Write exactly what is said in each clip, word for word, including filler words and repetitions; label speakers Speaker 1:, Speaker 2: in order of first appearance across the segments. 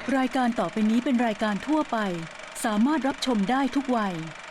Speaker 1: รายการต่อไปนี้เป็นรายการทั่วไปสามารถรับชมได้ทุกวัย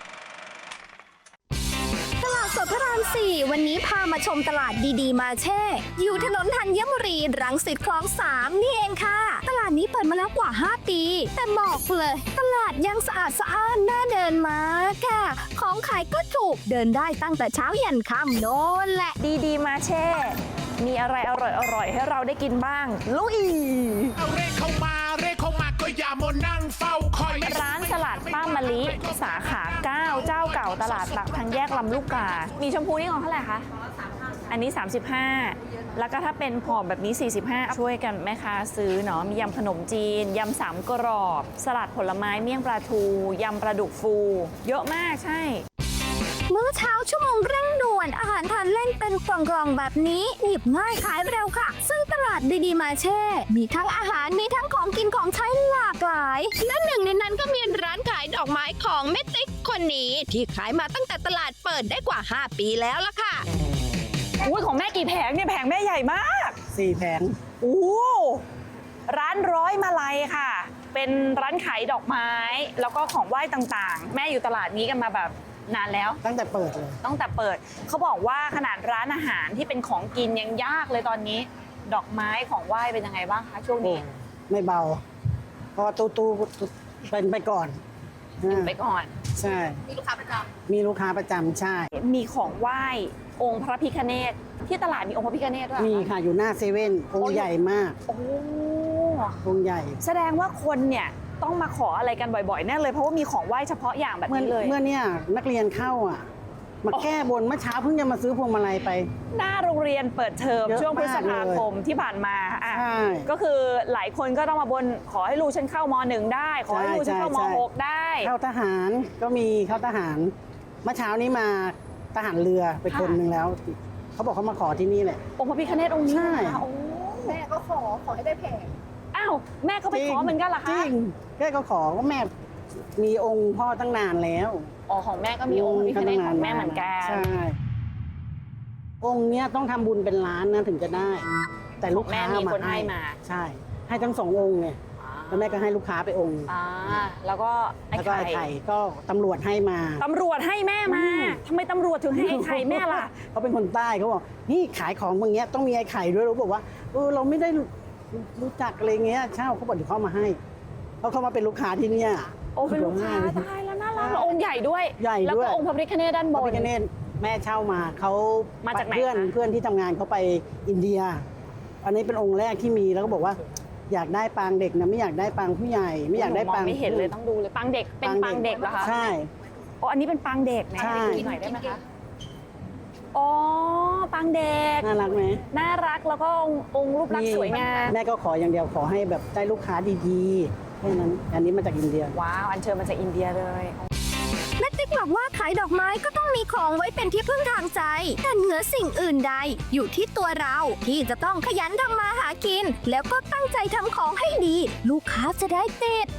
Speaker 2: ตลาดสดพระรามสี่วันนี้พามาชมตลาดดีๆมาเช่ อยู่ถนนธัญบุรีรังสิตคลองสามนี่เองค่ะตลาดนี้เปิดมาแล้วกว่าห้าปีแต่บอกเลยตลาดยังสะอาดสะอ้านน่าเดินมากค่ะของขายก็ถูกเดินได้ตั้งแต่เช้ายันค่ำโน่นแหละ
Speaker 3: ดีๆมาเช่มีอะไรอร่อยๆให้เราได้กินบ้างลุย
Speaker 4: เอาเร่เข้ามาเร่เข้ามาก็อย่ามานั่งเฝ้าคอย
Speaker 3: ร้านสลัดป้ามะลิสาขาเก้าเจ้าเก่าตลาดหลักทางแยกลำลูกกามีชมพูนี่ของเท่าไหร่คะอันนี้สามสิบห้าแล้วก็ถ้าเป็นผอมแบบนี้สี่สิบห้าช่วยกันแม่ค้าซื้อเนาะมียำขนมจีนยำสามกรอบสลัดผลไม้เมี่ยงปลาทูยำปลาดุกฟูเยอะมากใช่
Speaker 2: มื้อเช้าชั่วโมงเร่งด่วนอาหารทานเล่นเป็นกล่องๆแบบนี้หยิบง่ายขายเร็วค่ะซึ่งตลาดดีๆมาเช่มีทั้งอาหารมีทั้งของกินของใช้หลากหลายและหนึ่งในนั้นก็มีร้านขายดอกไม้ของแม่ติ๊กคนนี้ที่ขายมาตั้งแต่ตลาดเปิดได้กว่าห้าปีแล้วล่ะค่ะ
Speaker 3: อุ้ยของแม่กี่แผงเนี่ยแผงแม่ใหญ่มาก
Speaker 5: สี่แผง
Speaker 3: โอ้ร้านร้อยมาลัยค่ะเป็นร้านขายดอกไม้แล้วก็ของไหว้ต่างๆแม่อยู่ตลาดนี้กันมาแบบนานแล้ว
Speaker 5: ตั้งแต่เปิดเลย
Speaker 3: ตั้งแต่เปิดเขาบอกว่าขนาดร้านอาหารที่เป็นของกินยังยากเลยตอนนี้ดอกไม้ของไหว้เป็นยังไงบ้างคะช่วงนี้
Speaker 5: ไม่เบาเพราะตู้ตู้เป็นไปก่อน
Speaker 3: ไปก่อน
Speaker 5: ใช่
Speaker 3: มีลูกค้าประจำ
Speaker 5: มีลูกค้าประจำใช่
Speaker 3: มีของไหว้องค์พระพิฆเนศที่ตลาดมีองค์พระพิฆเนศด้วย
Speaker 5: มีค่ะอยู่หน้าเซเว่นองค์ใหญ่มาก
Speaker 3: โอ้
Speaker 5: องค์ใหญ่
Speaker 3: แสดงว่าคนเนี่ยต้องมาขออะไรกันบ่อยๆแน่เลยเพราะว่ามีของไหว้เฉพาะอย่างแบบนี้เลย
Speaker 5: เมื่อเนี่ยนักเรียนเข้าอ่ะมาแก้บนเมื่อเช้าเพิ่งจะมาซื้อพวงมาลัยไป
Speaker 3: หน้าโรงเรียนเปิดเทอมช่วงพฤษภาคมที่ผ่านมาอ่ะก็คือหลายคนก็ต้องมาบนขอให้ลูกฉันเข้ามหนึ่งได้ขอให้ลูกฉันเข้ามหกได้
Speaker 5: เข้าทหารก็มีเข้าทหารเมื่อเช้านี้มาทหารเรือไปคนหนึ่งแล้วเขาบอกเขามาขอที่นี่แหละ
Speaker 3: องค์พระพิฆเนศองค์นี้
Speaker 2: แม่ก็ขอขอให้ได้แผง
Speaker 3: อ้าวแม่ก็ไปขอเหมือนกันเหรอคะ
Speaker 5: จริงแม่ก็ขอว่าแม่มีองค์พ่อตั้งนานแล้ว
Speaker 3: อ๋อของแม่ก็มีองค์พระพิฆเนศของแม่เหมือนกัน
Speaker 5: ใช่องค์เนี้ยต้องทำบุญเป็นล้านนะถึงจะได้แต่ลูกค้า
Speaker 3: มีคนให้มา
Speaker 5: ใช่ให้ทั้งสององค์ไงแล้วแม่ก็ให้ลูกค้าไปองค์
Speaker 3: อ่าแล้วก็ไอ้
Speaker 5: ไข่ก็ตำรวจให้มา
Speaker 3: ตำรวจให้แม่มาทำไมตำรวจถึงให้ไอ้ไข่แม่ล่ะ
Speaker 5: เขาเป็นคนใต้เขาบอกนี่ขายของอย่างเงี้ยต้องมีไอ้ไข่ด้วยเราบอกว่าเออเราไม่ได้รู้จักอะไรเงี้ยเช่าเขาบอกเดี๋ยวเขามาให้เขาเข้ามาเป็นลูกค้าที่เนี่ย
Speaker 3: โอ้เป็นลูกค้าตายแล้วน่ารักองค์ใหญ่ด้วย
Speaker 5: ใหญ่ด้วย
Speaker 3: แล้วก็องค์พระพิฆเนศด้านบน
Speaker 5: พระพิฆเนศแม่เช่ามาเขา
Speaker 3: มาจากไหน
Speaker 5: เพื่อนเพื่อนที่ทำงานเขาไปอินเดียอันนี้เป็นองค์แรกที่มีแล้วก็บอกว่าอยากได้ปางเด็กนะไม่อยากได้ปางผู้ใหญ่ไม่อยากได้ปาง
Speaker 3: ไม่เห็นเลยต้องดูเลยปางเด็กเป็นปางเด็กเหรอคะ
Speaker 5: ใช่
Speaker 3: โอ้อันนี้เป็นปางเด็กนะ
Speaker 5: ใช่
Speaker 3: หน่อยได้ไหมคะอ๋อปางเด็ก
Speaker 5: น่ารักไหม
Speaker 3: น่ารักแล้วก็องค์รูปลักษณ์สวยงาม
Speaker 5: แม่ก็ขออย่างเดียวขอให้แบบได้ลูกค้าดีๆแค่นั้นอันนี้มาจากอินเดีย
Speaker 3: ว้าวอันเชิญมาจากอินเดียเลย
Speaker 2: แม่ติ๊กบอกว่าขายดอกไม้ก็ต้องมีของไว้เป็นที่พึ่งทางใจแต่เหนือสิ่งอื่นใดอยู่ที่ตัวเราที่จะต้องขยันทำมาหากินแล้วก็ตั้งใจทำของให้ดีลูกค้าจะได้ติด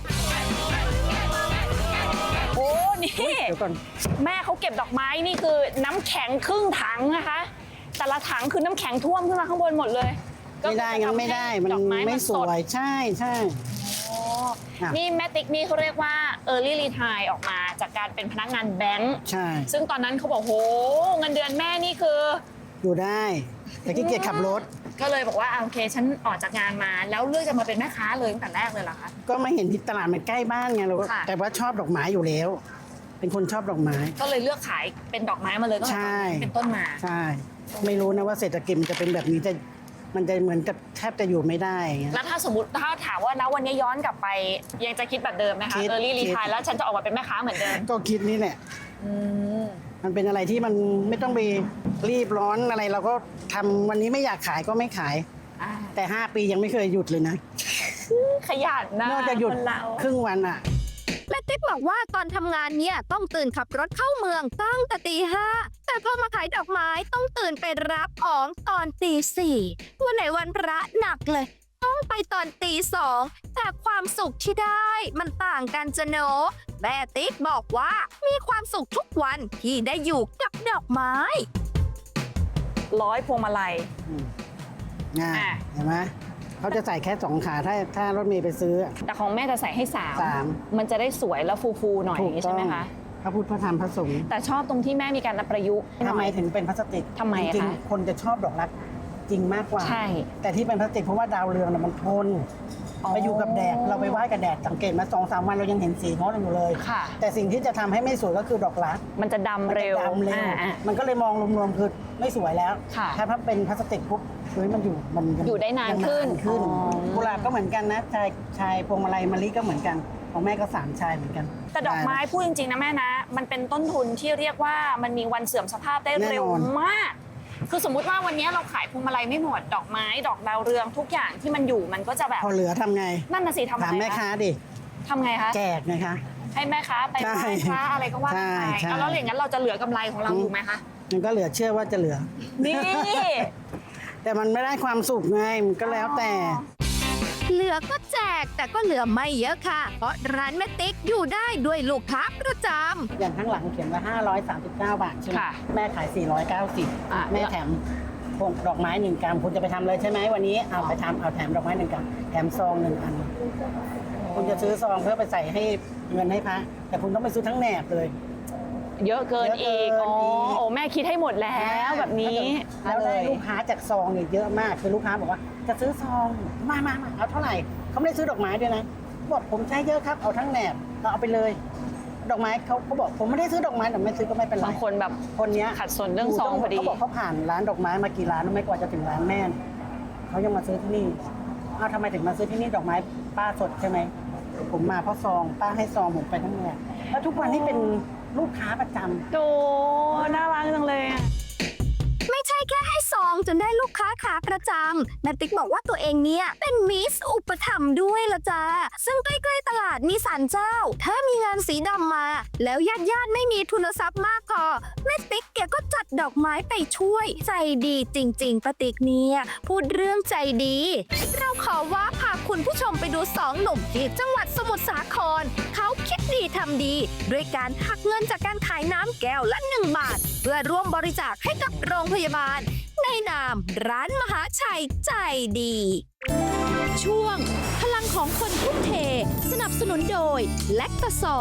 Speaker 3: โอ้นี่แม่เขาเก็บดอกไม้นี่คือน้ำแข็งครึ่งถังนะคะแต่ละถังคือน้ำแข็งท่วมขึ้นมาข้างบนหมดเลย
Speaker 5: ไม่ได้งั้นไม่ได้มันไม่สวยใช่ใช่
Speaker 3: นี่แม่ติ๊กนี่เขาเรียกว่า early retire ออกมาจากการเป็นพนักงานแบงค์
Speaker 5: ใช่
Speaker 3: ซึ่งตอนนั้นเขาบอกโหเงินเดือนแม่นี่คือ
Speaker 5: อยู่ได้แต่ขี้เกียจขับรถ
Speaker 3: ก็เลยบอกว่าโอเคฉันออกจากงานมาแล้วเลือกจะมาเป็นแม่ค้าเลยตั้งแต่แรกเลยเหรอคะ
Speaker 5: ก็มาเห็นที่ตลาดมันใกล้บ้านไงเราแต่ว่าชอบดอกไม้อยู่แล้วเป็นคนชอบดอกไม้
Speaker 3: ก็เลยเลือกขายเป็นดอกไม้มาเลยตั้งแต่เป็นต้นมา
Speaker 5: ใช่ไม่รู้นะว่าเศรษฐกิจมันจะเป็นแบบนี้จะมันจะเหมือนกับแทบจะอยู่ไม่ได้
Speaker 3: แล้วถ้าสมมติถ้าถามว่านะวันนี้ย้อนกลับไปยังจะคิดแบบเดิมไหมคะเออรี่รีทายแล้วฉันจะออกมาเป็นแม่ค้าเหมือนเดิม
Speaker 5: ก็คิดนี่แหละมันเป็นอะไรที่มันไม่ต้องไปรีบร้อนอะไรเราก็ทำวันนี้ไม่อยากขายก็ไม่ขายแต่ห้าปียังไม่เคยหยุดเลยนะ
Speaker 3: ขยันนะ
Speaker 5: นอกจากหยุดครึ่งวันอ่ะ
Speaker 2: แม่ติ๊กบอกว่าตอนทำงานเนี่ยต้องตื่นขับรถเข้าเมืองตั้งแต่ตีห้าแต่พอมาขายดอกไม้ต้องตื่นไปรับของตอนตีสี่วันไหนวันพระหนักเลยต้องไปตอนตีสองแต่ความสุขที่ได้มันต่างกันจะโนแม่ติ๊กบอกว่ามีความสุขทุกวันที่ได้อยู่กับดอกไม้
Speaker 3: ร้อยพวงมาลัย
Speaker 5: ง่ายเห็นไหมเขาจะใส่แค่สองขาถ้าถ้ารถเมย์ไปซื้อ
Speaker 3: แต่ของแม่จะใส่ให้สาม
Speaker 5: สาม
Speaker 3: มันจะได้สวยแล้วฟูๆหน่อยอย่างนี้ใช่ไหมคะ
Speaker 5: พระพุทธพระธรรมพระสงฆ์
Speaker 3: แต่ชอบตรงที่แม่มีการประยุกต์
Speaker 5: ทำไมถึงเป็นพลาสติก
Speaker 3: ทำไมอะ
Speaker 5: จริง
Speaker 3: คะ
Speaker 5: ๆคนจะชอบดอกรักจริงมากกว่า
Speaker 3: ใช่
Speaker 5: แต่ที่เป็นพลาสติกเพราะว่าดาวเรืองน่ะมันทน
Speaker 3: อ๋อ
Speaker 5: ไปอยู่กับแดดเราไปไหว้กับแดดสังเกตมาสองสามวันเรายังเห็นสีงดอยู่เลย
Speaker 3: ค่ะ
Speaker 5: แต่สิ่งที่จะทำให้ไม่สวยก็คือดอกรัก
Speaker 3: มันจะดำ
Speaker 5: มัน
Speaker 3: เร็
Speaker 5: จะ
Speaker 3: ว
Speaker 5: ดำเร็ว
Speaker 3: อ่า
Speaker 5: มันก็เลยมองรวมๆคือไม่สวยแล้ว
Speaker 3: ค่ะ
Speaker 5: ถ้าถ้าเป็นพลาสติกปุ๊บเฮ้ยมันอยู่มันง
Speaker 3: อยู่ได้นาน
Speaker 5: ยัง
Speaker 3: ขึ้น
Speaker 5: ขึ้น
Speaker 3: อ๋อ
Speaker 5: กุหลาบก็เหมือนกันนะชายชายพวงมาลัยมะลิก็เหมือนกันของแม่ก็สามชายเหมือนกัน
Speaker 3: แต่ดอกไม้พูดจริงๆนะแม่นะ มันเป็นต้นทุนที่เรียกว่ามันมีวันเสื่อมสภาพได้เร็ว
Speaker 5: แน่นอน
Speaker 3: มาก คือสมมุติว่าวันนี้เราขายพวงมาลัยไม่หมดดอกไม้ดอกดาวเรืองทุกอย่างที่มันอยู่มันก็จะแบบ
Speaker 5: พอเหลือทำไง
Speaker 3: นั่นน่ะสิทำไง
Speaker 5: ถามแม่ค้าดิ
Speaker 3: ทำไงคะ
Speaker 5: แจกนะคะ
Speaker 3: ให้แม่ค้าไป
Speaker 5: ใช่
Speaker 3: ไหว้พระอะไรก็ว่ากันไป
Speaker 5: ใช่ใช่
Speaker 3: เอาแล้วอย่างนั้นเราจะเหลือกำไรของเราอยู่ไหมคะ
Speaker 5: มันก็เหลือเชื่อว่าจะเหลือ
Speaker 3: นี่
Speaker 5: แต่มันไม่ได้ความสุขไงมันก็แล้วแต่
Speaker 2: เหลือก็แจกแต่ก็เหลือไม่เยอะค่ะ เพราะร้านแม่ติ๊กอยู่ได้ด้วยลูกค้าประจำ
Speaker 5: อย่างข้างหลังเขียนว่าห้าร้อยสามสิบเก้า บาทใช่ไหม
Speaker 3: ค่ะ
Speaker 5: แม่ขายสี่ร้อยเก้าสิบ
Speaker 3: อ่ะ
Speaker 5: แม่แถมพวงดอกไม้หนึ่งกรัมคุณจะไปทำเลยใช่ไหมวันนี้เอาไปทำเอาแถมดอกไม้หนึ่งกรัมแถมซองหนึ่งอัน คุณจะซื้อซองเพื่อไปใส่ให้เงินให้พระแต่คุณต้องไปซื้อทั้งแหนบเลย
Speaker 3: เยอะเกิน
Speaker 5: เยอะเกิ
Speaker 3: อี
Speaker 5: น
Speaker 3: กอ๋อ
Speaker 5: อีก
Speaker 3: โอ้แม่คิดให้หมดแล้วแบบนี้
Speaker 5: แล้วได้ลูกค้าจากซองเนี่ยเยอะมากคือลูกค้าบอกว่าจะซื้อซองมามามาเอาเท่าไหร่เขาไม่ได้ซื้อดอกไม้ด้วยนะบอกผมใช้เยอะครับเอาทั้งแหนบเอาเอาไปเลย ดอกไม้เขาเขาบอกผมไม่ได้ซื้อดอกไม้แต่ไม่ซื้อก็ไม่เป็นไร
Speaker 3: บางคนแบบ
Speaker 5: คนเนี้ย
Speaker 3: ขัดสนเรื่องซองพอดี
Speaker 5: เขาบอกเขาผ่านร้านดอกไม้มากี่ร้านไม่กว่าจะถึงร้านแม่เขายังมาซื้อที่นี่อ้าวทำไมถึงมาซื้อที่นี่ดอกไม้ป้าสดใช่ไหมผมมาเพราะซองป้าให้ซองผมไปทั้งแหนบแล้วทุกวันนี้เป็นลูกค้าประจำ
Speaker 3: โดน่ารักจังเลยอะ
Speaker 2: ไม่ใช่แค่ให้ซองจนได้ลูกค้าขาประจำแม่ติ๊กบอกว่าตัวเองเนี่ยเป็นมิสอุปถัมภ์ด้วยละจ้าซึ่งใกล้ๆตลาดมีศาลเจ้า ถ้ามีงานสีดำมา แล้วญาติญาติๆไม่มีทุนทรัพย์มากพอแม่ติ๊กแกก็จัดดอกไม้ไปช่วย ใจดีจริงๆป้าติ๊กเนี่ยพูดเรื่องใจดี เราขอว่าพาคุณผู้ชมไปดูสองหนุ่มที่จังหวัดสมุทรสาครเขาคิดดีทำดี ด้วยการหักเงินจากการขายน้ำแก้วละหนึ่งบาท เพื่อร่วมบริจาคให้กับโรงพยาบาล ในนามร้านมหาชัยใจดี ช่วง พลังของคนทุ่มเท สนับสนุนโดยแลคตาซอย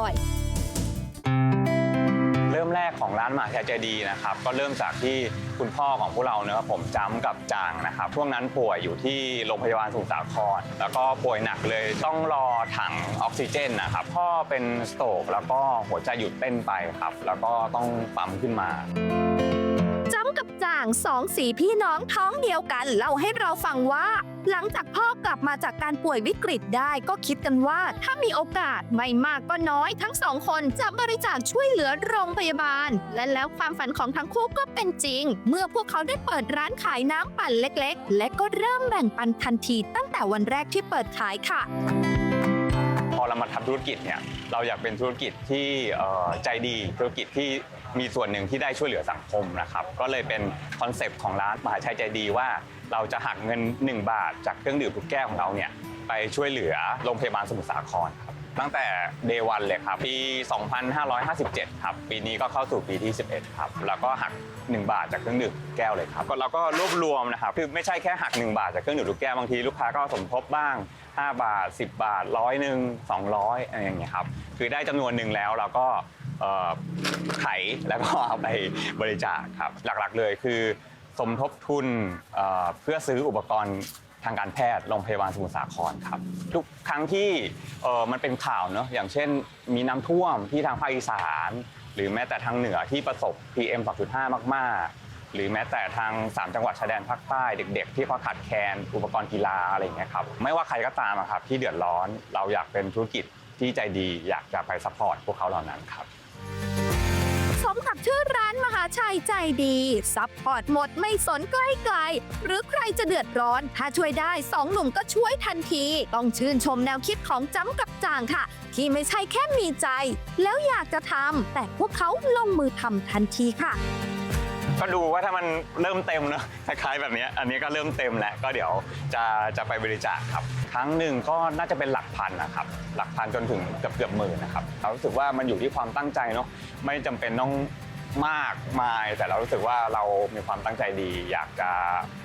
Speaker 6: เริ่มแรกของร้านมหาชัยใจดีนะครับก็เริ่มจากที่คุณพ่อของพวกเราเนะครับผมจำกับจางนะครับช่วงนั้นป่วยอยู่ที่โรงพยาบาลสมุทรสาครแล้วก็ป่วยหนักเลยต้องรอถังออกซิเจนนะครับพ่อเป็นสโตรกแล้วก็หัวใจหยุดเต้นไปครับแล้วก็ต้องปั๊มขึ้นมา
Speaker 2: จ้ำกับจ่างสองสีพี่น้องท้องเดียวกันเล่าให้เราฟังว่า หลังจากพ่อกลับมาจากการป่วยวิกฤตได้ก็คิดกันว่า ถ้ามีโอกาสไม่มากก็น้อยทั้งสองคนจะบริจาคช่วยเหลือโรงพยาบาล และแล้วความฝันของทั้งคู่ก็เป็นจริง เมื่อพวกเขาได้เปิดร้านขายน้ำปั่นเล็กๆ และก็เริ่มแบ่งปันทันทีตั้งแต่วันแรกที่เปิดขายค่ะ
Speaker 6: พอเรามาทำธุรกิจเนี่ยเราอยากเป็นธุรกิจที่เอ่อใจดีธุรกิจที่มีส่วนหนึ่งที่ได้ช่วยเหลือสังคมนะครับก็เลยเป็นคอนเซปต์ของร้านมหาชัยใจดีว่าเราจะหักเงินหนึ่งบาทจากเครื่องดื่มทุกแก้วของเราเนี่ยไปช่วยเหลือโรงพยาบาลสมุทรสาครครับตั้งแต่ Day วันเลยครับปี สองพันห้าร้อยห้าสิบเจ็ด ครับปีนี้ก็เข้าสู่ปีที่สิบเอ็ดครับแล้วก็หักหนึ่งบาทจากเครื่องดื่มทุกแก้วเลยครับก็เราก็รวบรวมนะครับคือไม่ใช่แค่หักหนึ่งบาทจากเครื่องดื่มทุกแก้วบางทีลูกค้าก็สมทบบ้างห้าบาทสิบบาทร้อยหนึ่งสองร้อยอะไรอย่างเงี้ยครับคือได้จำนวนหนึ่งแล้วเราก็ไขแล้วก็เอาไปบริจาคครับหลักๆเลยคือสมทบทุนเพื่อซื้ออุปกรณ์ทางการแพทย์โรงพยาบาลสมุทรสาครครับทุกครั้งที่มันเป็นข่าวเนอะอย่างเช่นมีน้ำท่วมที่ทางภาคอีสานหรือแม้แต่ทางเหนือที่ประสบ พี เอ็ม สองจุดห้า มากๆหรือแม้แต่ทางสามจังหวัดชายแดนภาคใต้เด็กๆที่เขาขาดแคลนอุปกรณ์กีฬาอะไรอย่างเงี้ยครับไม่ว่าใครก็ตามครับที่เดือดร้อนเราอยากเป็นธุรกิจที่ใจดีอยากจะไปซัพพอร์ตพวกเขาเหล่านั้นครับ
Speaker 2: สมกับชื่อร้านมหาชัยใจดีซัพพอร์ตหมดไม่สนใกล้ไกลหรือใครจะเดือดร้อนถ้าช่วยได้สองหนุ่มก็ช่วยทันทีต้องชื่นชมแนวคิดของจ้ำกับจางค่ะที่ไม่ใช่แค่มีใจแล้วอยากจะทำแต่พวกเขาลงมือทำทันทีค่ะ
Speaker 6: ก็ดูว่าถ้ามันเริ่มเต็มเนอะคล้ายๆแบบนี้อันนี้ก็เริ่มเต็มแล้วก็เดี๋ยวจะจะไปบริจาคครับครั้งหนึ่งก็น่าจะเป็นหลักพันนะครับหลักพันจนถึงเกือบเกือบหมื่นนะครับเรารู้สึกว่ามันอยู่ที่ความตั้งใจเนาะไม่จำเป็นต้องมากมายแต่เรารู้สึกว่าเรามีความตั้งใจดีอยากจะ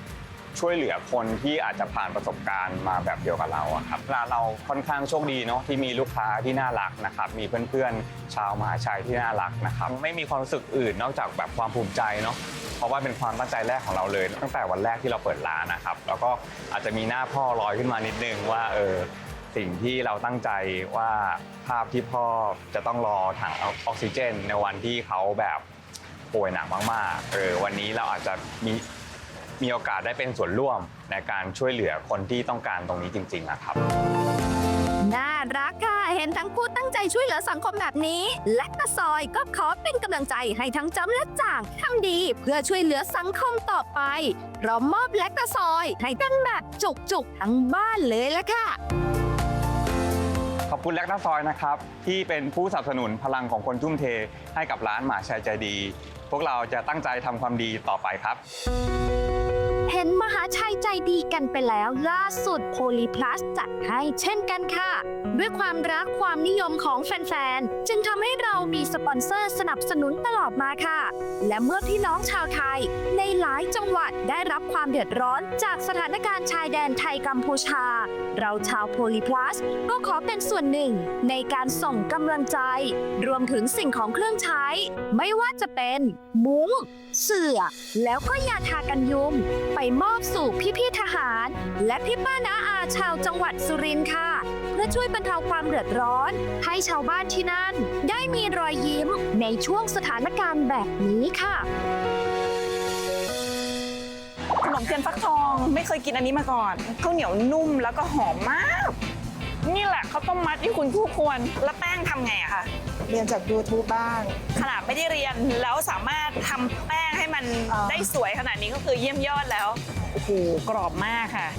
Speaker 6: ช่วยเหลือคนที่อาจจะผ่านประสบการณ์มาแบบเดียวกับเราอะครับร้านเราค่อนข้างโชคดีเนาะที่มีลูกค้าที่น่ารักนะครับมีเพื่อนๆชาวมหาชัยที่น่ารักนะครับไม่มีความรู้สึกอื่นนอกจากแบบความภูมิใจเนาะเพราะว่าเป็นความตั้งใจแรกของเราเลยตั้งแต่วันแรกที่เราเปิดร้านนะครับแล้วก็อาจจะมีหน้าพ่อลอยขึ้นมานิดนึงว่าเออสิ่งที่เราตั้งใจว่าภาพที่พ่อจะต้องรอถังออกซิเจนในวันที่เขาแบบป่วยหนักมากๆเออวันนี้เราอาจจะมีมีโอกาสได้เป็นส่วนร่วมในการช่วยเหลือคนที่ต้องการตรงนี้จริงๆนะครับ
Speaker 2: น่ารักค่ะ เห็นทั้งคู่ตั้งใจช่วยเหลือสังคมแบบนี้ และกระซอยก็ขอเป็นกำลังใจให้ทั้งจำและจ่างทำดีเพื่อช่วยเหลือสังคมต่อไปพร้อมมอบและกระซอยให้กันแบบจุกๆทั้งบ้านเลยละค่ะ
Speaker 6: ขอบคุณแลกนาซอยนะครับที่เป็นผู้สนับสนุนพลังของคนทุ่มเทให้กับร้านหมาชัยใจดี พวกเราจะตั้งใจทำความดีต่อไปครับ
Speaker 2: เห็นมหาชัยใจดีกันไปแล้วล่าสุดโพลีพลัสจัดให้เช่นกันค่ะ ด้วยความรักความนิยมของแฟนๆ จึงทำให้เรามีสปอนเซอร์สนับสนุนตลอดมาค่ะ และเมื่อพี่น้องชาวไทยในหลายจังหวัดได้รับความเดือดร้อนจากสถานการณ์ชายแดนไทยกัมพูชา เราชาวโพลีพลัสก็ขอเป็นส่วนหนึ่งในการส่งกำลังใจ รวมถึงสิ่งของเครื่องใช้ ไม่ว่าจะเป็นมุ้งเสื่อแล้วก็ยาทากันยุงไปมอบสู่พี่ๆทหาร และพี่ป้าน้าอาชาวจังหวัดสุรินทร์ค่ะ เพื่อช่วยบรรเทาความเดือดร้อนให้ชาวบ้านที่นั่น ได้มีรอยยิ้มในช่วงสถานการณ์แบบนี้ค่ะ
Speaker 3: ขนมเทียนฟักทองไม่เคยกินอันนี้มาก่อนข้าวเหนียวนุ่มแล้วก็หอมมาก นี่แหละข้าวต้มมัดที่คุณคู่ควรแล้วแป้งทำไงอะคะ
Speaker 7: เรียนจาก YouTube บ้าง
Speaker 3: ขนาดไม่ได้เรียนแล้วสามารถทำแป้งให้มัน
Speaker 7: อ่า
Speaker 3: ได้สวยขนาดนี้ก็คือเยี่ยมยอดแล้วโอ้โหกรอบมากค่ะ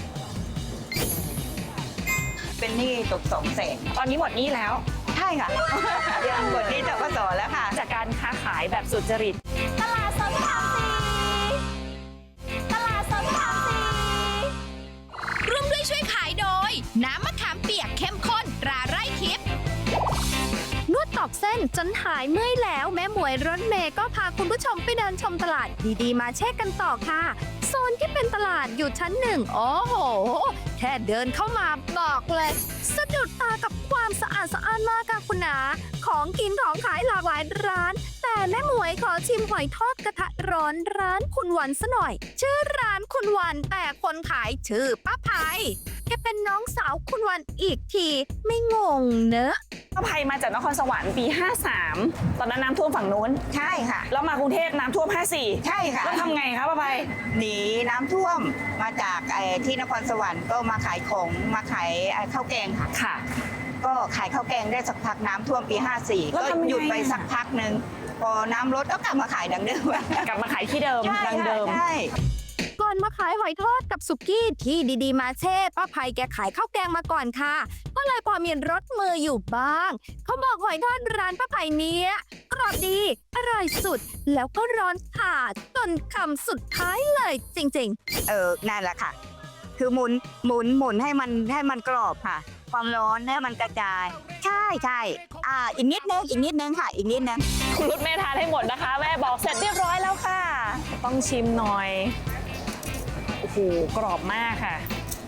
Speaker 7: เป็นหนี้ตกสองแสน
Speaker 3: ตอนนี้หมดหนี้แล้ว
Speaker 7: ใช่ค่ะ ยังหมดหนี้ธกสแล้วค่ะ
Speaker 3: จากการค้าขายแบบสุจริต
Speaker 2: ตลาดสดทางสีตลาดสดทางสีร่วมด้วยช่วยขายโดย น้ำมะขามเปียกเข้มข้นตราไร่ทิพย์นวดตอกเส้นจนหายเมื่อยแล้วแม่หมวยรถเมย์ก็พาคุณผู้ชมไปเดินชมตลาดดีๆ มาเช็คกันต่อค่ะ โซนที่เป็นตลาดอยู่ชั้นหนึ่งโอ้โห แค่เดินเข้ามาบอกเลยสะดุดตากับความสะอาดสะอ้านมากค่ะคุณนาของกินของขายหลากหลายร้าน แต่แม่หมวยขอชิมหอยทอดกระทะร้อนร้านคุณวันซะหน่อย ชื่อร้านคุณวันแต่คนขายชื่อป้าภัยแกเป็นน้องสาวคุณวันอีกทีไม่งงเนอะ
Speaker 3: ป้าภัยมาจากนครสวรรค์ปีห้าสามตอนนั้นน้ำท่วมฝั่งนู้น
Speaker 7: ใช่ค่ะ
Speaker 3: แล้วมากรุงเทพน้ำท่วมห้าสี่
Speaker 7: ใช่ค่ะ
Speaker 3: แล้วทำไงคะป้าภัย
Speaker 7: หนีน้ำท่วมมาจากไอ้ที่นครสวรรค์ก็มาขายของมาขายไอ้ข้าวแกงค่ะ
Speaker 3: ค่ะ
Speaker 7: ก็ขายข้าวแกงได้สักพักน้ำท่วมปีห้าสี่
Speaker 3: แล้ว
Speaker 7: ก็
Speaker 3: ทำยังไง
Speaker 7: หยุดไป
Speaker 3: อะ
Speaker 7: สักพักหนึ่งพอน้ำลดก็กลับมาขายดังเดิม
Speaker 3: กลับมาขายที่เดิม
Speaker 7: ใช่
Speaker 3: ดังเดิม
Speaker 7: ใช่
Speaker 2: ก่อนมาขายหอยทอดกับสุกี้ที่ดีๆมาเช่ป้าภัยแกขายข้าวแกงมาก่อนค่ะ ก็เลยพอมีรสมืออยู่บ้าง เขาบอกหอยทอดร้านป้าภัยเนี้ยกรอบดี อร่อยสุด แล้วก็ร้อนฉาดจนคำสุดท้ายเลยจริงๆ
Speaker 7: เออนั่นแหละค่ะ คือหมุนหมุนหมุนให้มันให้มันกรอบค่ะ ความร้อนให้มันกระจาย ใช่ใช่อ่าอีกนิดนึงอีกนิดนึงค่ะ อีกนิดนึง
Speaker 3: คุณรุดแม่ทานให้หมดนะคะ แม่บอกเสร็จเรียบร้อยแล้วค่ะ ต้องชิมหน่อย โอ้โห กรอบมากค่ะ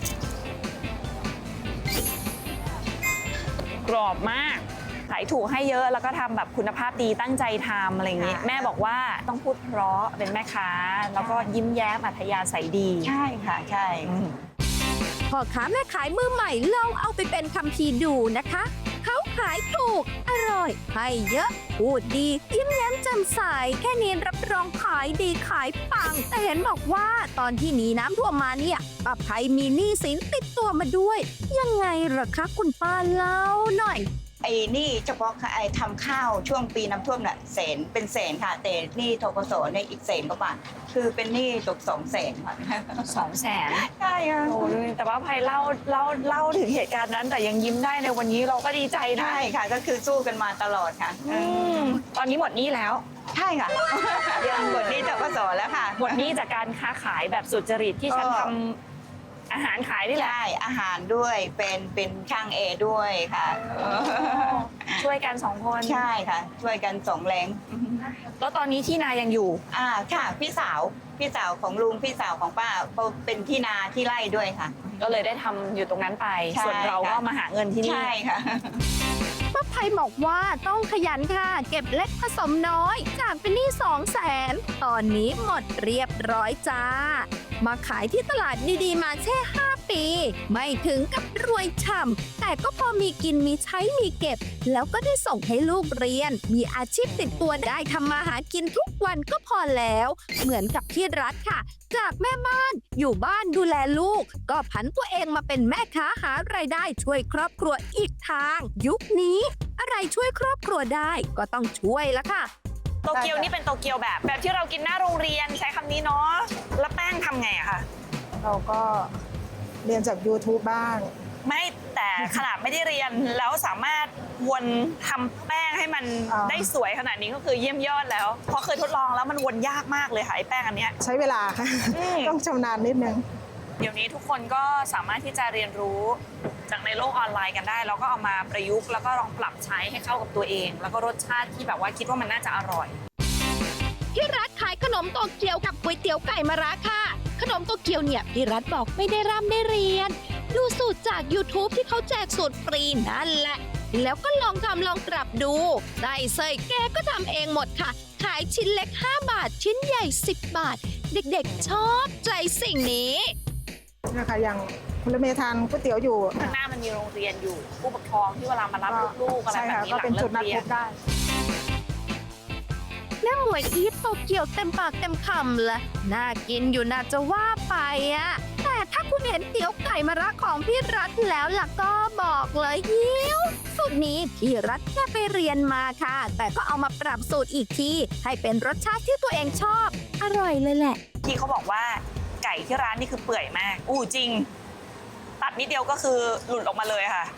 Speaker 3: กรอบมาก ขายถูกให้เยอะแล้วก็ทำแบบคุณภาพดีตั้งใจทำอะไรอย่างนี้
Speaker 7: ค่ะ
Speaker 3: แม่บอกว่าต้องพูดเพราะเป็นแม่ค้า แล้วก็ยิ้มแย้มอัธยาศัยดี
Speaker 7: ใช่ค่ะ ใช่
Speaker 2: พ่อค้าแม่ขายมือใหม่ลองเอาไปเป็นคัมภีร์ดูนะคะ เขาขายถูก อร่อย ให้เยอะ พูดดี ยิ้มแย้มแจ่มใส แค่นี้รับรองขายดีขายปัง แต่เห็นบอกว่าตอนที่หนีน้ำท่วมมาเนี่ยป้าภัยมีหนี้สินติดตัวมาด้วย ยังไงเหรอคะคุณป้าเล่าหน่อย
Speaker 7: ไอ้นี่เฉพาะไอ้ทำข้าวช่วงปีน้ำท่วมน่ะแสนเป็นแสนค่ะ แต่หนี่ทกสเนี่ยอีกแสนกว่าบาทคือเป็นหนี้ตกสองแสนค่ะ
Speaker 3: สองแสน
Speaker 7: ใช่ค่ะ
Speaker 3: โอ้ยแต่ว่าภัยเล่าเล่าเล่าถึงเหตุการณ์นั้น แต่ยังยิ้มได้ในวันนี้เราก็ดีใจนะ
Speaker 7: ใช่ค่ะ ก็คือสู้กันมาตลอดค่ะ
Speaker 3: อืมตอนนี้หมดหนี้แล้ว
Speaker 7: ใช่ค่ะ ยังหมดหนี้ทกสแล้วค่ะ
Speaker 3: หมดหนี้จากการค้าขายแบบสุจริตที่ฉัน
Speaker 7: ก็
Speaker 3: ทำอาหารขายนี่แหละ
Speaker 7: ใช่อาหารด้วยเป็นเป็นช่างเอด้วยค่ะ
Speaker 3: ช่วยกันสองคน
Speaker 7: ใช่ค่ะ ช่วยกันสองแรง
Speaker 3: แล้วตอนนี้ที่นายังอยู่
Speaker 7: อ่าค่ะพี่สาวพี่สาวของลุงพี่สาวของป้าเขาเป็นที่นาที่ไร่ด้วยค่ะ
Speaker 3: ก็เลยได้ทำอยู่ตรงนั้นไป
Speaker 7: ใช่
Speaker 3: ส่วนเราก็
Speaker 7: ค่ะ
Speaker 3: มาหาเงินที่นี่
Speaker 7: ใช่ค่ะ
Speaker 2: ป้าภัยบอกว่าต้องขยันค่ะ เก็บเล็กผสมน้อย จากเป็นหนี้สองแสนตอนนี้หมดเรียบร้อยจ้า มาขายที่ตลาดดีๆมาแค่ห้าปี ไม่ถึงกับรวยฉ่ำแต่ก็พอมีกินมีใช้มีเก็บ แล้วก็ได้ส่งให้ลูกเรียน มีอาชีพติดตัวได้ทำมาหากินทุกวันก็พอแล้ว เหมือนกับพี่รัฐค่ะ จากแม่บ้านอยู่บ้านดูแลลูก ก็ผันตัวเองมาเป็นแม่ค้าหารายได้ช่วยครอบครัวอีกทาง ยุคนี้ อะไรช่วยครอบครัวได้ก็ต้องช่วยละค่ะ
Speaker 3: โตเกียวนี่เป็นโตเกียวแบบ แบบที่เรากินหน้าโรงเรียนใช้คำนี้เนาะแล้วแป้งทำไงอะคะ
Speaker 8: เราก็เรียนจาก YouTube บ้าง
Speaker 3: ไม่แต่ขนาดไม่ได้เรียนแล้วสามารถวนทำแป้งให้มัน
Speaker 8: อ่า
Speaker 3: ได้สวยขนาดนี้ก็คือเยี่ยมยอดแล้วเพราะเคยทดลองแล้วมันวนยากมากเลยค่ะไอ้แป้งอันเนี้ย
Speaker 8: ใช้เวลาค่ะ
Speaker 3: อืม
Speaker 8: ต้องชำนาญนิดนึง
Speaker 3: เดี๋ยวนี้ทุกคนก็สามารถที่จะเรียนรู้จากในโลกออนไลน์กันได้ แล้วก็เอามาประยุกต์แล้วก็ลองปรับใช้ให้เข้ากับตัวเอง แล้วก็รสชาติที่แบบว่าคิดว่ามันน่าจะอร่อย
Speaker 2: พี่รัฐขายขนมโตเกียวกับก๋วยเตี๋ยวไก่มะระค่ะ ขนมโตเกียวเนี่ยพี่รัฐบอกไม่ได้ร่ำได้เรียน ดูสูตรจาก YouTube ที่เขาแจกสูตรฟรีนั่นแหละ แล้วก็ลองทำลองปรับดู ได้เซยแกก็ทำเองหมดค่ะ ขายชิ้นเล็ก ห้า บาท ชิ้นใหญ่ สิบ บาท เด็กๆชอบใจสิ่งนี้
Speaker 8: นะคะอย่างคุณเมย์ทานก๋วยเตี๋ยวอยู่
Speaker 3: ข้างหน้ามันมีโรงเรียนอยู่ ผู้ปกครองที่เวลามารับลูกๆอะไร
Speaker 8: ใช่
Speaker 3: แบบ
Speaker 8: ค่ะ
Speaker 3: นี้
Speaker 8: ก็
Speaker 3: หลั
Speaker 8: เป็น
Speaker 3: งเลิ
Speaker 8: จุด
Speaker 3: ก
Speaker 8: นัด
Speaker 3: เรี
Speaker 8: พ
Speaker 3: ยน
Speaker 8: บได้
Speaker 2: แม่หมวยอีทโตเกียวเต็มปากเต็มคำเลยน่ากินอยู่น่าจะว่าไปอะแต่ถ้าคุณเห็นเตี๋ยวไก่มะระของพี่รัฐแล้วล่ะก็บอกเลยหิวสูตรนี้พี่รัฐแค่ไปเรียนมาค่ะ แต่ก็เอามาปรับสูตรอีกทีให้เป็นรสชาติที่ตัวเองชอบ อร่อยเลยแหละ
Speaker 3: ที่เขาบอกว่าไก่ที่ร้านนี่คือเปื่อยมาก อู้จริง ตัดนิดเดียวก็คือหลุดออกมาเลยค่ะ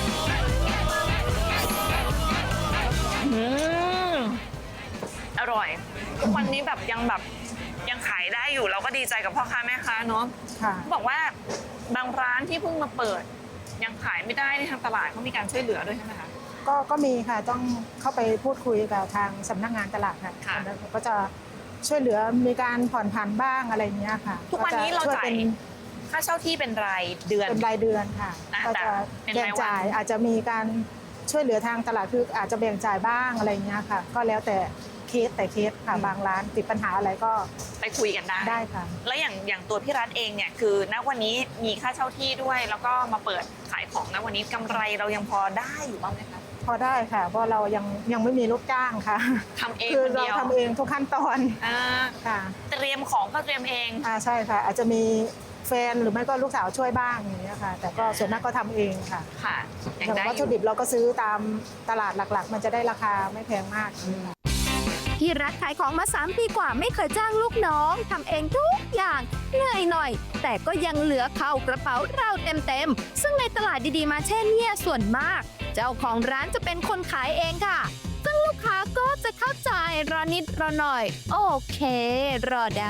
Speaker 3: อืมอร่อยทุกวันนี้แบบยังแบบยังขายได้อยู่เราก็ดีใจกับพ่อค้าแม่ค้าเนาะ
Speaker 8: ค่ะ
Speaker 3: บอกว่าบางร้านที่เพิ่งมาเปิด ยังขายไม่ได้ในทางตลาดเขามีการช่วยเหลือด้วยใช่ไหมคะ
Speaker 8: ก็ก็มีค่ะต้องเข้าไปพูดคุยกับทางสำนักงานตลาดค่ะ
Speaker 3: ค่ะ
Speaker 8: แล้วก็จะช่วยเหลือมีการผ่อนผันบ้างอะไรเงี้ยค่ะ
Speaker 3: ทุกวันนี้เรา
Speaker 8: ก็จะช่วย
Speaker 3: จ่าย
Speaker 8: เป็น
Speaker 3: ค่าเช่าที่เป็นรายเดือน
Speaker 8: เป็นรายเดือนค่ะ
Speaker 3: อ่ะ
Speaker 8: ก็
Speaker 3: แต่
Speaker 8: จะ
Speaker 3: เป็น
Speaker 8: แบ่
Speaker 3: ราง ยวัน
Speaker 8: จ่ายอาจจะมีการช่วยเหลือทางตลาดคืออาจจะแบ่งจ่ายบ้างอะไรเงี้ยค่ะ ก็แล้วแต่เคสแต่เคสค่ะบางร้านติดปัญหาอะไรก็
Speaker 3: ไปคุยกันได้
Speaker 8: ได้ค่ะ
Speaker 3: แล้วอย่างอย่างตัวพี่รัฐเองเนี่ยคือณวันนี้มีค่าเช่าที่ด้วย แล้วก็มาเปิดขายของณวันนี้กำไรเรายังพอได้อยู่บ้างไหมคะ
Speaker 8: พอได้ค่ะ เพราะเรายังยังไม่มีลูกจ้างค่ะ
Speaker 3: ทำเอง
Speaker 8: คือ
Speaker 3: คน
Speaker 8: เรา
Speaker 3: เดียว
Speaker 8: ทำเองทุกขั้นตอน
Speaker 3: อ่า
Speaker 8: ค่ะ
Speaker 3: เตรียมของก็เตรียมเอง
Speaker 8: อ่าใช่ค่ะ อาจจะมีแฟนหรือไม่ก็ลูกสาวช่วยบ้างอย่างเงี้ยค่ะ แต่ก็ส่วนมากก็ทำเองค่ะ
Speaker 3: ค่ะ
Speaker 8: อ
Speaker 3: ยัง
Speaker 8: ย่าง
Speaker 3: ได้
Speaker 8: วัต
Speaker 3: อ
Speaker 8: ถุ
Speaker 3: ยู่
Speaker 8: ดิบเราก็ซื้อตามตลาดหลักๆ มันจะได้ราคาไม่แพงมาก
Speaker 2: พี่รัฐขายของมา สาม ปีกว่าไม่เคยจ้างลูกน้องทำเองทุกอย่างเหนื่อยหน่อย แต่ก็ยังเหลือเข้ากระเป๋าเราเต็มๆ ซึ่งในตลาดดีๆมาเช่นเนี่ยส่วนมาก เจ้าของร้านจะเป็นคนขายเองค่ะ ซึ่งลูกค้าก็จะเข้าใจรอนิดรอหน่อย โอเค รอได้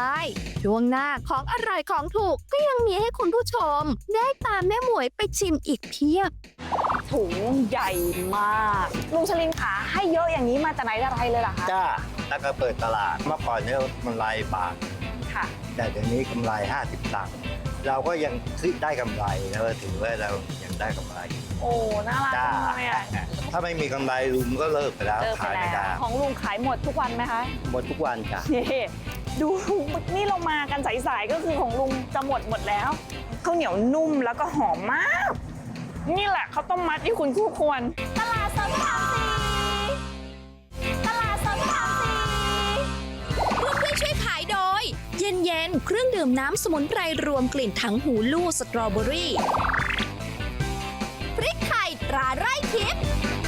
Speaker 2: ช่วงหน้าของอร่อยของถูกก็ยังมีให้คุณผู้ชม ได้ตามแม่หมวยไปชิมอีกเพียบ
Speaker 3: ถุงใหญ่มากลุงชลินขาให้เยอะอย่างนี้มาแต่ไหนแต่ไรเลยเหรอคะ
Speaker 9: จ้าแล้วก็เปิดตลาดเมื่อก่อนเนี่ยกำไรบาท
Speaker 3: ค่ะ
Speaker 9: แต่เดี๋ยวนี้กำไรห้าสิบตังค์เราก็ยังได้กำไรแล้วถือว่าเรายังได้กำไร
Speaker 3: โอ้น่ารัก
Speaker 9: จ้า
Speaker 3: จังเลยอะ
Speaker 9: ถ้าไม่มีกำไรลุงก็เลิกไปแล้ว
Speaker 3: เจอไป
Speaker 9: ขาย
Speaker 3: แล้
Speaker 9: ไม่ได้
Speaker 3: วของลุงขายหมดทุกวันไหมคะ
Speaker 9: หมดทุกวันจ้ะ
Speaker 3: เย่ดูนี่เรามากันสายๆก็คือของลุงจะหมดหมดแล้วข้าวเหนียวนุ่มแล้วก็หอมมาก นี่แหละข้าวต้มมัดที่คุณคู่ควร
Speaker 2: ตลาดสดพระรามสี่ตลาดสดพระรามสี่ร่วมด้วยช่วยขายโดย เย็นเย็นๆเครื่องดื่มน้ำสมุนไพรรวมกลิ่นถังหูลู่สตรอเบอรี่พริกไทยตราไร่ทิพย์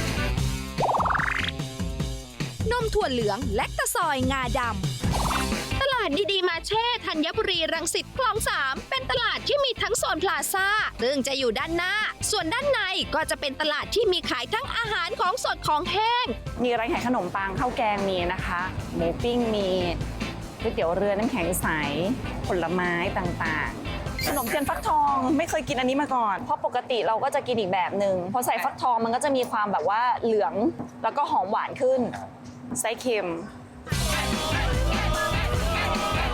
Speaker 2: นมถั่วเหลืองและตะซอยงาดำ ตลาดดีๆมาเช่ธัญบุรีรังสิตคลองสามเป็นตลาดที่มีทั้งโซนพลาซ่าซึ่งจะอยู่ด้านหน้า ส่วนด้านในก็จะเป็นตลาดที่มีขายทั้งอาหารของสดของแห้ง
Speaker 3: มีร้านขายขนมปังข้าวแกงมีนะคะหมูปิ้งมีก๋วยเตี๋ยวเรือน้ำแข็งใสผลไม้ต่างๆ ขนมเทียนฟักทองไม่เคยกินอันนี้มาก่อน เพราะปกติเราก็จะกินอีกแบบหนึ่งพอใส่ฟักทองมันก็จะมีความแบบว่าเหลืองแล้วก็หอมหวานขึ้นไส้เค็ม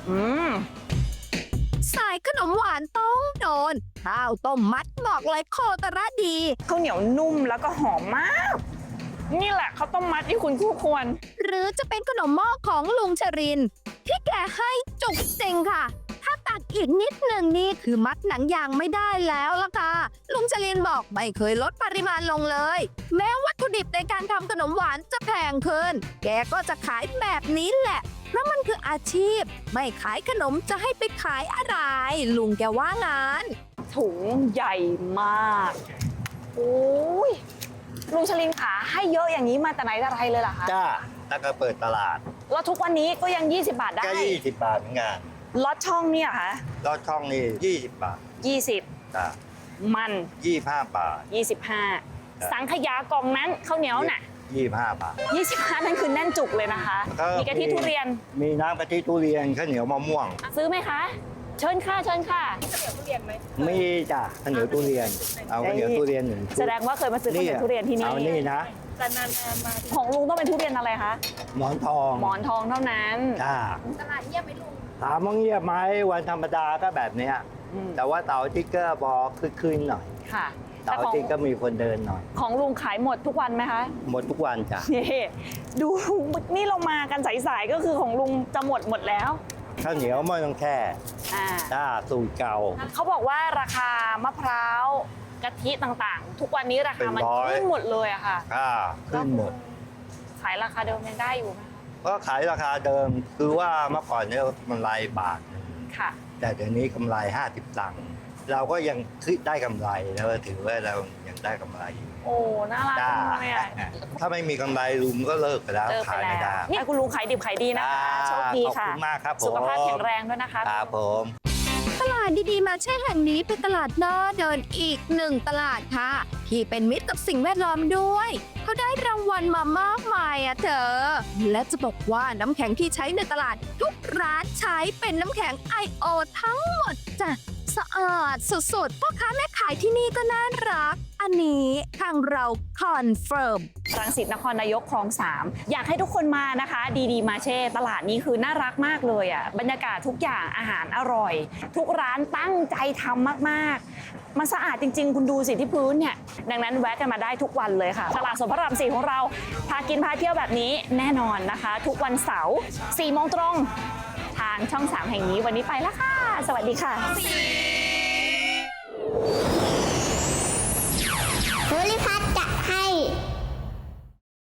Speaker 3: อืม
Speaker 2: สายขนมหวานต้องโดน ข้าวต้มมัดบอกเลยโคตรดี
Speaker 3: ข้าวเหนียวนุ่มแล้วก็หอมมาก นี่แหละข้าวต้มมัดที่คุณคู่ควร
Speaker 2: หรือจะเป็นขนมหม้อของลุงชรินทร์ที่แกให้จุกจริงค่ะ ถ้าตักอีกนิดหนึ่งนี่คือมัดหนังยางไม่ได้แล้วล่ะค่ะ ลุงชรินทร์บอกไม่เคยลดปริมาณลงเลย แม้วัตถุดิบในการทำขนมหวานจะแพงขึ้น แกก็จะขายแบบนี้แหละเพราะมันคืออาชีพ ไม่ขายขนมจะให้ไปขายอะไร ลุงแกว่างาน
Speaker 3: ถุงใหญ่มากโอ้ยลุงชลินขาให้เยอะอย่างนี้มาแต่ไหนแต่ไรเลยเหรอคะ
Speaker 9: จ้าแล้วก็เปิดตลาด
Speaker 3: แล้วทุกวันนี้ก็ยัง ยี่สิบบาทได้
Speaker 9: ก็ยี่สิบบาทเหมือนกัน
Speaker 3: ลอดช่องเนี่ยคะ
Speaker 9: ลอดช่องนี่ยี่สิบบาท
Speaker 3: ยี่สิบ
Speaker 9: จ้า
Speaker 3: มัน
Speaker 9: ยี่ห้าบาท
Speaker 3: ยี่สิบห้า
Speaker 9: ครับ
Speaker 3: สังขยากล่องนั้นข้าวเหนียวน่ะ
Speaker 9: ยี่ห้าบาท
Speaker 3: ยี่สิบห้านั่นคือแน่นจุกเลยนะคะ มีกะทิทุเรียน
Speaker 9: มีน้ำกะทิทุเรียนข้าวเหนียวมะม่วง
Speaker 3: ซื้อไหมคะ เชิญค่ะเชิญค่ะ
Speaker 9: มีจ้ะข้าวเหนียวทุเรียน เอาข้าวเหนียวทุเรียนหนึ่งชุ
Speaker 3: แสดงว่าเคยมาซื้อข้าวเหนียวทุเรียนที่นี่
Speaker 9: เอานี่นะ
Speaker 3: ของลุงต้องเป็นทุเรียนอะไรคะ
Speaker 9: หมอนทอง
Speaker 3: หมอนทองเท่านั้น
Speaker 9: จ้า
Speaker 2: ตลาดเงียบไหมลุง
Speaker 9: ถามว่าเงียบไหมวันธรรมดาก็แบบเนี้ย
Speaker 3: อืม
Speaker 9: แต่ว่าเสาร์อาทิตย์ก็พอคึกคืนหน่อย
Speaker 3: ค่ะ
Speaker 9: เสาร์อาทิตย์ก็มีคนเดินหน่อย
Speaker 3: ของลุงขายหมดทุกวันไหมคะ
Speaker 9: หมดทุกวันจ้ะ
Speaker 3: นี่ดูนี่เรามากันสายๆก็คือของลุงจะหมดหมดแล้ว
Speaker 9: ข้าวเหนียวไม่ต้องแช่
Speaker 3: อ่า
Speaker 9: จ้าสูตรเก่า
Speaker 3: เขาบอกว่าราคามะพร้าวกะทิต่างๆ ทุกวันนี้ราคามัน
Speaker 9: เป็นร้อย
Speaker 3: ขึ้นหมดเลยอะค่ะ
Speaker 9: ค่าขึ้นหมด
Speaker 3: ขายราคาเดิมยังได้อยู่ไหมคะ
Speaker 9: ก็ขายราคาเดิมคือว่าเมื่อก่อนเนี่ยกำไรบาทหนึ่ง
Speaker 3: ค่ะ
Speaker 9: แต่เดี๋ยวนี้กำไรห้าสิบตังค์เราก็ยังได้กำไรแล้วถือว่าเรายังได้กำไรอยู่
Speaker 3: โอ้น่ารัก
Speaker 9: จ้า
Speaker 3: จังเลยอะ
Speaker 9: ถ้าไม่มีกำไรลุงก็เลิกไปแล้ว
Speaker 3: เลิกไป
Speaker 9: ขายไม่
Speaker 3: แล้ว
Speaker 9: ได้
Speaker 3: นี่คุณลุงขายดิบขายดีนะคะโชคดี
Speaker 9: ขอบ
Speaker 3: ค่ะ
Speaker 9: คุณมากครับผม
Speaker 3: สุขภาพแข็งแรงด้วยนะคะ
Speaker 9: ครับผม
Speaker 2: ตลาดดีๆมาแช่แห่งนี้เป็นตลาดน่าเดินอีกหนึ่งตลาดค่ะ ที่เป็นมิตรกับสิ่งแวดล้อมด้วยเขาได้รางวัลมามากมายอะเธอ และจะบอกว่าน้ำแข็งที่ใช้ในตลาดทุกร้านใช้เป็นน้ำแข็ง ไอ โอ ทั้งหมดจ้ะสะอาดสุดๆพ่อค้าแม่ขายที่นี่ก็น่ารัก อันนี้ทางเราคอนเฟิร์ม
Speaker 3: รังสิตนครนายกคลองสามอยากให้ทุกคนมานะคะ ดีดีมาเช่ตลาดนี้คือน่ารักมากเลยอ่ะบรรยากาศทุกอย่างอาหารอร่อย ทุกร้านตั้งใจทำมากๆ มันสะอาดจริง ๆ คุณดูสิที่พื้นเนี่ยดังนั้นแวะกันมาได้ทุกวันเลยค่ะ ตลาดสดพระรามสี่ของเราพากินพาเที่ยวแบบนี้แน่นอนนะคะ ทุกวันเสาร์สี่โมงตรงทางช่องสามแห่งนี้วันนี้ไปแล้วค่ะ สวัสดีค่ะ